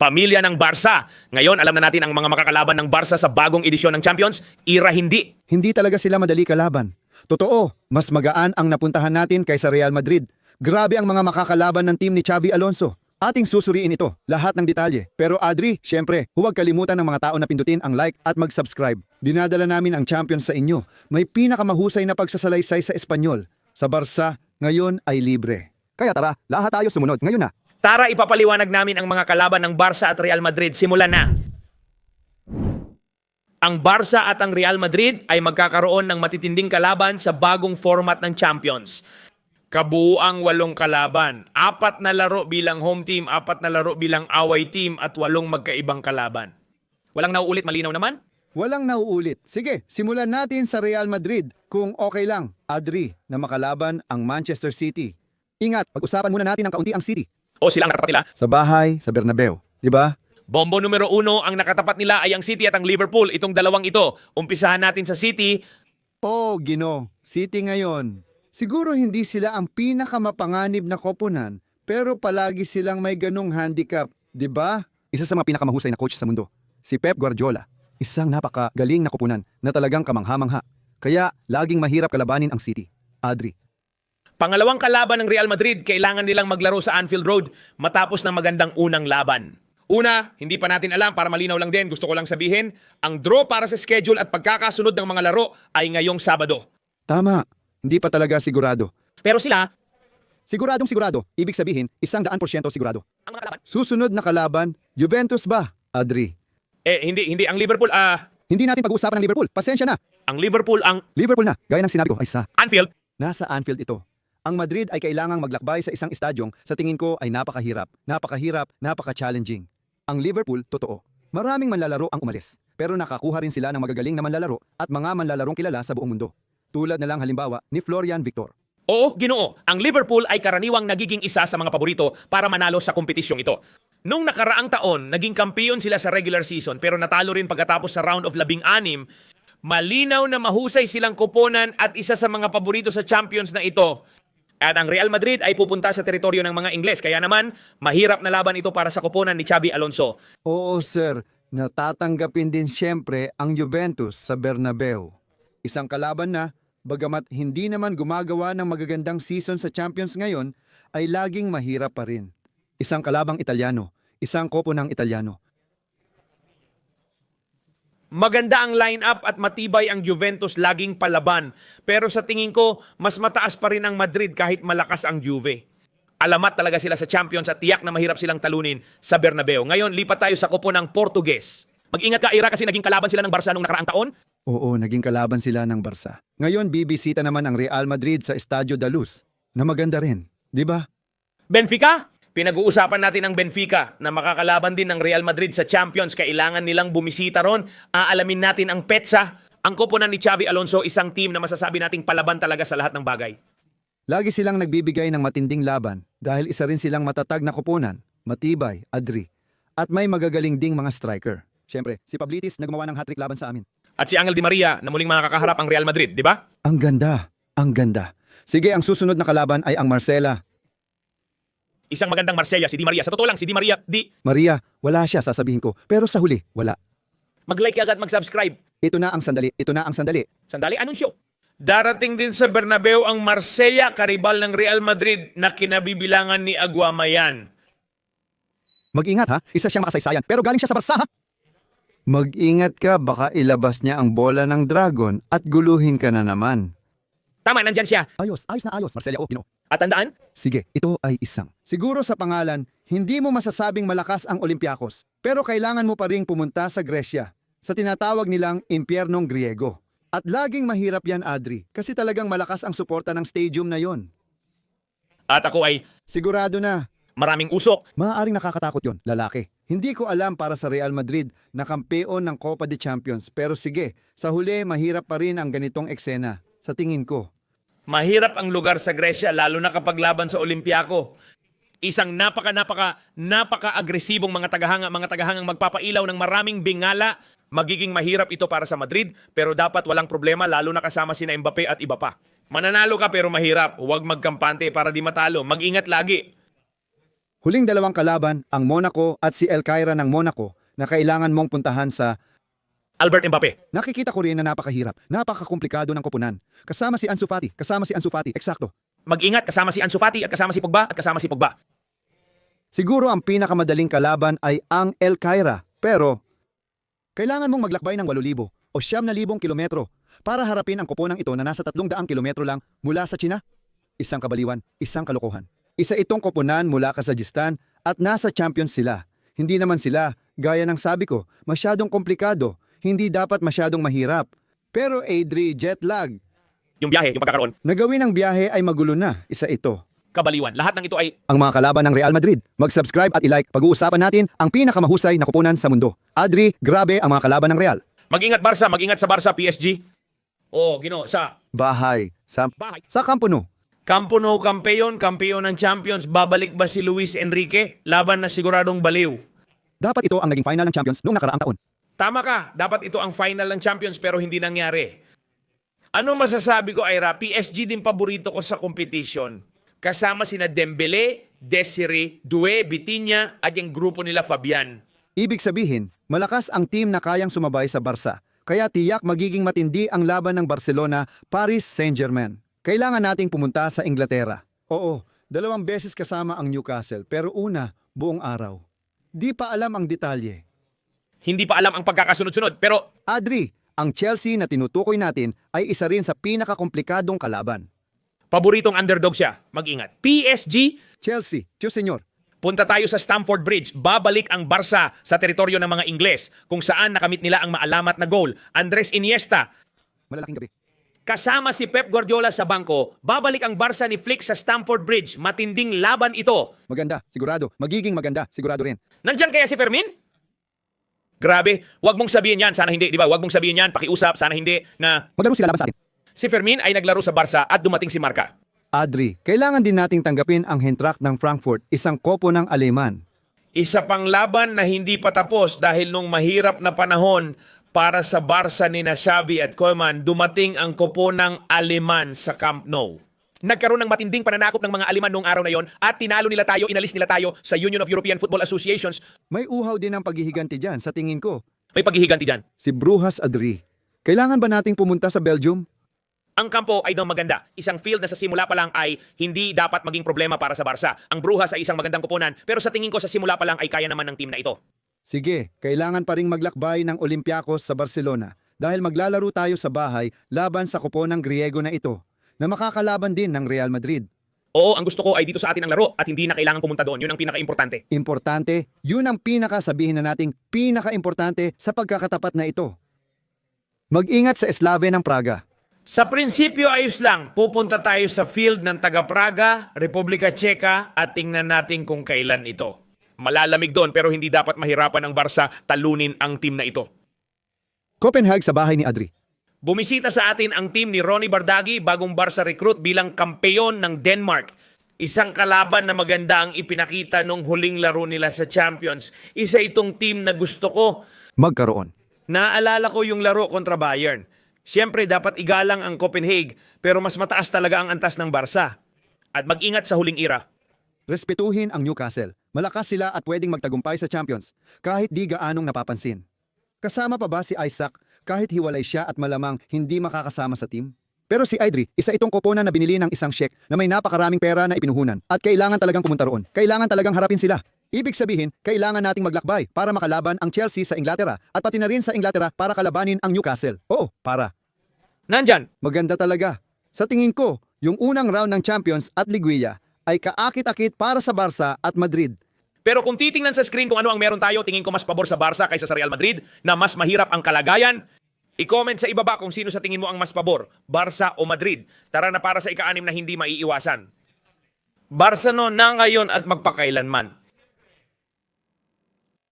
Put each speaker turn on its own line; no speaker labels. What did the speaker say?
pamilya ng Barca. Ngayon, alam na natin ang mga makakalaban ng Barca sa bagong edisyon ng Champions, ira hindi.
Hindi talaga sila madali kalaban. Totoo, mas magaan ang napuntahan natin kaysa Real Madrid. Grabe ang mga makakalaban ng team ni Xabi Alonso. Ating susuriin ito, lahat ng detalye. Pero Adri, syempre, huwag kalimutan ng mga tao na pindutin ang like at mag-subscribe. Dinadala namin ang Champions sa inyo. May pinakamahusay na pagsasalaysay sa Espanyol. Sa Barca, ngayon ay libre. Kaya tara, lahat tayo sumunod. Ngayon na.
Tara, ipapaliwanag namin ang mga kalaban ng Barca at Real Madrid. Simulan na! Ang Barca at ang Real Madrid ay magkakaroon ng matitinding kalaban sa bagong format ng Champions. Kabuuang 8 kalaban, 4 na laro bilang home team, 4 na laro bilang away team at 8 magkaibang kalaban. Walang nauulit, malinaw naman?
Walang nauulit. Sige, simulan natin sa Real Madrid. Kung okay lang, Adri, na makalaban ang Manchester City. Ingat, pag-usapan muna natin ng kaunti ang City.
O sila ang nakatapat nila?
Sa bahay, sa Bernabeu. Di ba?
Bombo numero 1, ang nakatapat nila ay ang City at ang Liverpool. Itong dalawang ito, umpisahan natin sa City.
Oh, Gino, City ngayon. Siguro hindi sila ang pinakamapanganib na koponan, pero palagi silang may ganong handicap, di ba? Isa sa mga pinakamahusay na coach sa mundo, si Pep Guardiola. Isang napakagaling na koponan na talagang kamangha-mangha. Kaya laging mahirap kalabanin ang City. Adri.
Pangalawang kalaban ng Real Madrid, kailangan nilang maglaro sa Anfield Road matapos ng magandang unang laban. Una, hindi pa natin alam, para malinaw lang din, gusto ko lang sabihin, ang draw para sa schedule at pagkakasunod ng mga laro ay ngayong Sabado.
Tama, hindi pa talaga sigurado.
Pero sila,
Siguradong sigurado, ibig sabihin, 100% sigurado.
ang mga kalaban,
Susunod na kalaban, Juventus ba, Adri?
hindi, ang Liverpool,
Hindi natin pag-uusapan ng Liverpool, pasensya na.
ang Liverpool, ang
Liverpool na, gaya ng sinabi ko, ay sa
Anfield.
nasa Anfield ito. Ang Madrid ay kailangang maglakbay sa isang estadyong sa tingin ko ay napakahirap, napaka-challenging. Ang Liverpool, totoo. Maraming manlalaro ang umalis, pero nakakuha rin sila ng magagaling na manlalaro at mga manlalarong kilala sa buong mundo. Tulad na lang halimbawa ni Florian Victor.
Oo, Ginoo, ang Liverpool ay karaniwang nagiging isa sa mga paborito para manalo sa kompetisyong ito. Nung nakaraang taon, naging kampiyon sila sa regular season pero natalo rin pagkatapos sa round of 16. Malinaw na mahusay silang koponan at isa sa mga paborito sa Champions na ito. At ang Real Madrid ay pupunta sa teritoryo ng mga Ingles. Kaya naman, mahirap na laban ito para sa koponan ni Xabi Alonso.
Oo sir, natatanggapin din siyempre ang Juventus sa Bernabeu. Isang kalaban na, bagamat hindi naman gumagawa ng magagandang season sa Champions ngayon, ay laging mahirap pa rin. Isang kalabang Italyano, isang koponang Italyano.
Maganda ang lineup at matibay ang Juventus laging palaban. Pero sa tingin ko, mas mataas pa rin ang Madrid kahit malakas ang Juve. Alamat talaga sila sa Champions at tiyak na mahirap silang talunin sa Bernabeu. Ngayon, lipat tayo sa koponang Portuges. Mag-ingat ka, Ira, kasi naging kalaban sila ng Barca nung nakaraang taon.
Oo, naging kalaban sila ng Barca. Ngayon, bibisita naman ang Real Madrid sa Estadio da Luz, na maganda rin, di ba?
Benfica? Pinag-uusapan natin ang Benfica na makakalaban din ng Real Madrid sa Champions. Kailangan nilang bumisita ron. Aalamin natin ang petsa. Ang koponan ni Xabi Alonso, isang team na masasabi nating palaban talaga sa lahat ng bagay.
Lagi silang nagbibigay ng matinding laban dahil isa rin silang matatag na koponan, matibay, Adri, at may magagaling ding mga striker. Siyempre, si Pablitis na gumawa ng hat-trick laban sa amin.
At si Angel Di Maria na muling makakaharap ang Real Madrid, di ba?
Ang ganda, ang ganda. Sige, ang susunod na kalaban ay ang Marsella.
Isang magandang Marsella, si Di Maria. Sa totoo lang, si Di Maria,
Maria, wala siya sasabihin ko, pero sa huli, wala.
mag-like agad, mag-subscribe.
Ito na ang sandali, ito na ang sandali.
Sandali, anunsyo. Darating din sa Bernabeu ang Marsella, karibal ng Real Madrid na kinabibilangan ni Aguamayan.
Mag-ingat ha, isa siyang makasaysayan, pero galing siya sa Barca ha? Mag-ingat ka, baka ilabas niya ang bola ng dragon at guluhin ka na naman.
Tama, nandyan siya.
Ayos na ayos, Marsella, Gino.
At tandaan,
Sige, ito ay isang. Siguro sa pangalan, hindi mo masasabing malakas ang Olympiacos, pero kailangan mo pa ring pumunta sa Gresya, sa tinatawag nilang Impyernong Griego. At laging mahirap yan, Adri, kasi talagang malakas ang suporta ng stadium na yon.
at ako ay
Sigurado na,
maraming usok.
maaaring nakakatakot yon, lalaki. Hindi ko alam para sa Real Madrid na kampeon ng Copa de Champions, pero sige, sa huli mahirap pa rin ang ganitong eksena, sa tingin ko.
Mahirap ang lugar sa Gresya, lalo na kapag laban sa Olympiaco. Isang napaka-agresibong mga tagahangang magpapailaw ng maraming bingala. Magiging mahirap ito para sa Madrid, pero dapat walang problema, lalo na kasama sina Mbappe at iba pa. Mananalo ka pero mahirap. Huwag magkampante para di matalo. Mag-ingat lagi.
Huling dalawang kalaban, ang Monaco at si El Caira ng Monaco na kailangan mong puntahan sa...
Albert Mbappe.
Nakikita ko rin na napakahirap, napakakomplikado ng koponan. Kasama si Ansu Fati, eksakto.
Mag-ingat, kasama si Ansu Fati at kasama si Pogba at kasama si Pogba.
Siguro ang pinakamadaling kalaban ay ang El Caira, pero kailangan mong maglakbay ng 8,000 o 9,000 kilometro para harapin ang koponang ito na nasa 300 kilometro lang mula sa China. Isang kabaliwan, isang kalokohan. Isa itong koponan mula Kazakhstan at nasa champions sila. Hindi naman sila, gaya ng sabi ko, masyadong komplikado, hindi dapat masyadong mahirap. Pero Adri, jet lag.
Yung biyahe, yung pagkakaroon,
Nagawin ng biyahe ay magulo na, isa ito.
kabaliwan. Lahat ng ito ay
Ang mga kalaban ng Real Madrid, mag-subscribe at i-like. Pag-uusapan natin ang pinakamahusay na koponan sa mundo. Adri, grabe ang mga kalaban ng Real.
mag-ingat Barca, mag-ingat sa Barca, PSG. Oh, sa
Bahay,
bahay.
sa Camp Nou.
Campo Nou, kampeon ng Champions. Babalik ba si Luis Enrique? Laban na siguradong baliw.
Dapat ito ang naging final ng Champions noong nakaraang taon.
Tama ka, dapat ito ang final ng Champions pero hindi nangyari. Ano masasabi ko, Ira? PSG din paborito ko sa competition. Kasama sina Dembele, Desiree, Doué, Vitinha at yung grupo nila Fabian.
Ibig sabihin, malakas ang team na kayang sumabay sa Barca. Kaya tiyak magiging matindi ang laban ng Barcelona, Paris Saint-Germain. Kailangan nating pumunta sa Inglaterra. Oo, 2 beses kasama ang Newcastle pero una, buong araw. Di pa alam ang detalye.
Hindi pa alam ang pagkakasunod-sunod pero
Adri, ang Chelsea na tinutukoy natin ay isa rin sa pinakakomplikadong kalaban.
paboritong underdog siya. Mag-ingat. PSG,
Chelsea, Diyos Senyor.
punta tayo sa Stamford Bridge. Babalik ang Barca sa teritoryo ng mga Ingles kung saan nakamit nila ang maalamat na goal. Andres Iniesta,
Malalaking gabi.
kasama si Pep Guardiola sa bangko, babalik ang Barca ni Flick sa Stamford Bridge. Matinding laban ito.
Maganda, sigurado. Magiging maganda, sigurado rin.
Nandyan kaya si Fermin? Grabe, wag mong sabihin yan, sana hindi, di ba? Wag mong sabihin yan, pakiusap, sana hindi, na
Maglaro sila laban sa atin.
si Fermin ay naglaro sa Barca at dumating si Marca.
Adri, kailangan din nating tanggapin ang Eintracht ng Frankfurt, isang kopo ng Aleman.
Isa pang laban na hindi pa tapos dahil nung mahirap na panahon para sa Barca ni Xavi at Koeman, dumating ang koponang Aleman sa Camp Nou. Nagkaroon ng matinding pananakop ng mga Aleman noong araw na yon at tinalo nila tayo, inalis nila tayo sa Union of European Football Associations.
May uhaw din ang paghihiganti dyan, sa tingin ko.
May paghihiganti dyan.
Si Brujas Adri. Kailangan ba nating pumunta sa Belgium?
Ang kampo ay daw maganda. Isang field na sa simula pa lang ay hindi dapat maging problema para sa Barca. Ang Brujas ay isang magandang koponan pero sa tingin ko sa simula pa lang ay kaya naman ng team na ito.
Sige, kailangan pa ring maglakbay ng Olympiacos sa Barcelona dahil maglalaro tayo sa bahay laban sa koponang Griego na ito na makakalaban din ng Real Madrid.
Oo, ang gusto ko ay dito sa atin ang laro at hindi na kailangan pumunta doon. Yun ang pinaka-importante.
Importante, yun ang sabihin na nating pinaka-importante sa pagkakatapat na ito. Mag-ingat sa Eslave ng Praga.
Sa prinsipyo ayos lang, pupunta tayo sa field ng taga Praga, Republika Tseka at tingnan natin kung kailan ito. Malalamig doon pero hindi dapat mahirapan ng Barca talunin ang team na ito.
Copenhagen sa bahay ni Adri.
Bumisita sa atin ang team ni Ronnie Bardagi, bagong Barca recruit bilang kampeon ng Denmark. Isang kalaban na maganda ang ipinakita nung huling laro nila sa Champions. Isa itong team na gusto ko.
Magkaroon.
Naalala ko yung laro kontra Bayern. Siyempre, dapat igalang ang Copenhagen, pero mas mataas talaga ang antas ng Barca. At mag-ingat sa huling ira.
Respetuhin ang Newcastle. Malakas sila at pwedeng magtagumpay sa Champions, kahit di gaanong napapansin. Kasama pa ba si Isaac kahit hiwalay siya at malamang hindi makakasama sa team? Pero si Adri, isa itong koponan na binili ng isang sheik na may napakaraming pera na ipinuhunan at kailangan talagang pumunta roon. Kailangan talagang harapin sila. Ibig sabihin, kailangan nating maglakbay para makalaban ang Chelsea sa Inglaterra at pati na rin sa Inglaterra para kalabanin ang Newcastle. Oo, para.
Nandyan,
Maganda talaga. Sa tingin ko, yung unang round ng Champions at Liguilla ay kaakit-akit para sa Barca at Madrid.
pero kung titingnan sa screen kung ano ang meron tayo, tingin ko mas pabor sa Barca kaysa sa Real Madrid na mas mahirap ang kalagayan. I-comment sa ibaba kung sino sa tingin mo ang mas pabor, Barca o Madrid. Tara na para sa ika-6 na hindi maiiwasan. Barca no na ngayon at magpakailanman.